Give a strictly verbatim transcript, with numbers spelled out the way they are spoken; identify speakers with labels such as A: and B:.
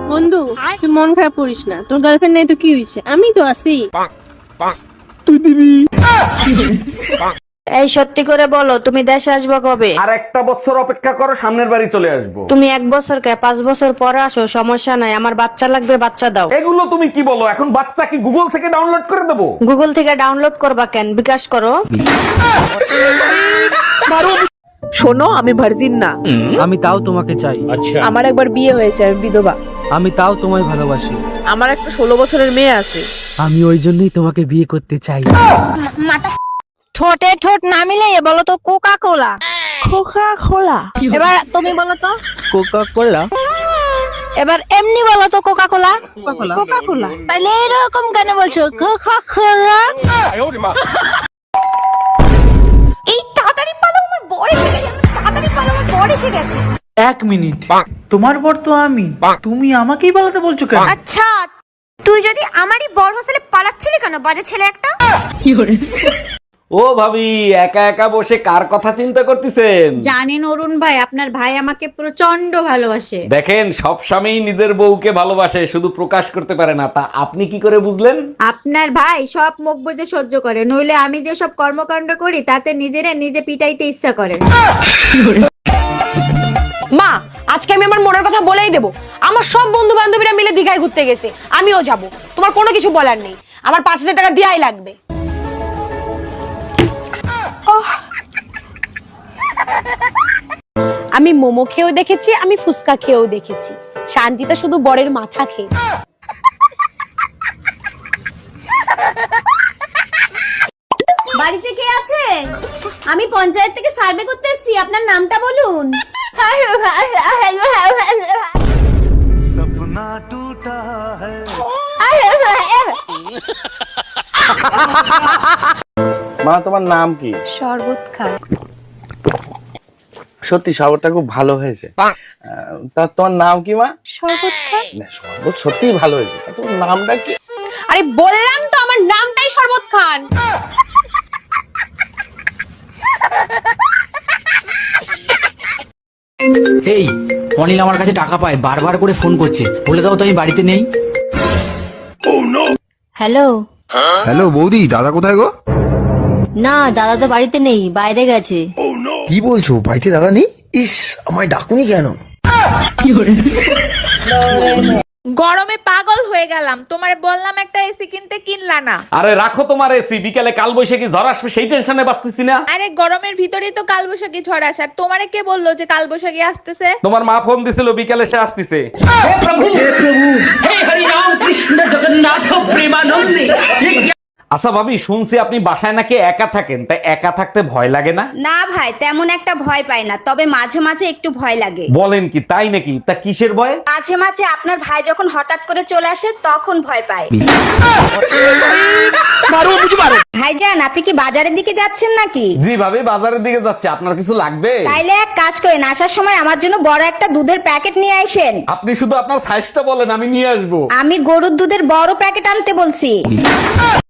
A: বন্ধু তুই মন খারাপ করিস না, তোর গার্লফ্রেন্ড নাই তো কি হয়েছে, আমি তো আছি।
B: তুই দিবি?
C: এই সত্যি করে বলো, তুমি দেশে আসবে কবে?
B: আর একটা বছর অপেক্ষা করো, সামনের বাড়ি চলে আসবো।
C: তুমি এক বছর কে পাঁচ বছর পরে আসো, সমস্যা নাই, আমার বাচ্চা লাগবে, বাচ্চা দাও।
B: এগুলো তুমি কি বলো? এখন বাচ্চা কি গুগল থেকে ডাউনলোড করে দেবো?
C: গুগল থেকে ডাউনলোড করবা কেন, বিকাশ করো।
D: শোনো, আমি ভার্জিন না।
E: আমি তাও তোমাকে চাই।
D: আমার একবার বিয়ে হয়েছে, আমি বিধবা।
E: আমি তাও তোমায় ভালোবাসি।
D: আমার একটা ষোলো বছরের মেয়ে আছে।
E: আমি ওই জন্যই তোমাকে বিয়ে করতে চাই।
F: ঠোঁটে ঠোঁট না মিলে বলো তো কোকা কোলা।
D: Coca Cola.
F: এবার তুমি বলো তো।
E: Coca Cola.
F: এবার এমনি বলো তো কোকা কোলা।
D: কোকা কোলা।
F: তাহলে এরকম কেন বলছো কোকা কোলা? এই তাড়াতাড়ি পালো, আমার বড় এসে গেছে। তাড়াতাড়ি পালো, আমার বড় এসে গেছে।
G: এক মিনিট, তোমার বর তো আমি, তুমি আমাকেই পালাতে বলছো কেন?
F: আচ্ছা, তুই যদি আমারই বড় হোস্টেলে পালাচ্ছিলি কেন, বাজে ছেলে একটা?
B: ও ভাবি, একা একা বসে কার কথা চিন্তা করতেছেন?
H: জানেন অরুণ ভাই, আপনার ভাই আমাকে প্রচন্ড ভালোবাসে।
B: দেখেন, সব স্বামী নিজের বউকে ভালোবাসে, শুধু প্রকাশ করতে পারে না। তা আপনি কি করে বুঝলেন?
H: আপনার ভাই সব মুখ বুজে সহ্য করে, নইলে আমি যে সব কর্মকাণ্ড করি তাতে নিজেরা নিজে পিটাইতে ইচ্ছা করে।
D: মা, আজকে আমি আমার মনের কথা বলেই দেবো। আমার সব বন্ধু বান্ধবীরা মিলে দীঘায় ঘুরতে গেছে, আমিও যাব। তোমার কোনো কিছু বলার নেই, আমার পাঁচ হাজার টাকা দেওয়াই লাগবে। আমি মোমো খেয়েও দেখেছি, আমি ফুচকা খেয়েও দেখেছি, শান্তিতে শুধু বরের মাথা খেয়ে।
F: বাড়িতে কে আছে? আমি পঞ্চায়েত থেকে সার্ভে করতে এসেছি, আপনার নামটা বলুন।
B: মা, তোমার নাম কি?
F: শরবত খা।
B: সত্যি শরবতটা খুব ভালো হয়েছে। আহ, তা তোমার নাম কি মা?
F: শরবত খা।
B: না, শরবত সত্যিই ভালো হয়েছে। তা তোমার নামটা কি?
D: আরে বললাম তো, আমার নামটাই শরবত খান।
I: এই অনিল আমার কাছে টাকা পায়, বারবার করে ফোন করছে, বলে দাও তো আমি বাড়িতে নেই।
F: হ্যালো।
J: হ্যালো বৌদি, দাদা কোথায় গো?
F: না, দাদা তো বাড়িতে নেই, বাইরে গেছে।
J: কি বলছো, বাড়িতে দাদা নেই? ইস, আমায় ডাকুনি কেন?
K: গরমে পাগল হয়ে গেলাম, তোমার বললাম একটা এসি কিনতে, কিনলা না।
B: আরে রাখো তোমার এসি, বিকালে কাল বৈশাখী ঝড় আসবে, সেই টেনশনে বাঁচতেছি না।
K: আরে গরমের ভিতরেই তো কালবৈশাখী ঝড় আসার, তোমারে কে বললো যে কালবৈশাখী আসতেছে?
B: তোমার মা ফোন দিছিল, বিকালে সে আসতেছে। আচ্ছা ভাবি, শুনছি আপনি বাসায় নাকি একা থাকেন, তাই একা থাকতে ভয় লাগে না?
H: না ভাই, তেমন একটা ভয় পাই না, তবে মাঝে মাঝে একটু ভয় লাগে।
B: বলেন কি, তাই নাকি? তা কিসের ভয়?
H: মাঝে মাঝে আপনার ভাই যখন হঠাৎ করে চলে আসে তখন ভয় পায়। ভাইজান, আপনি কি বাজারের দিকে যাচ্ছেন নাকি?
B: জি ভাবি, বাজারের দিকে যাচ্ছে। আপনার কিছু লাগবে?
H: তাইলে এক কাজ করেন, আসার সময় আমার জন্য বড় একটা দুধের প্যাকেট নিয়ে আসেন।
B: আপনি শুধু আপনার সাইজটা বলেন, আমি নিয়ে আসবো।
H: আমি গরুর দুধের বড় প্যাকেট আনতে বলছি।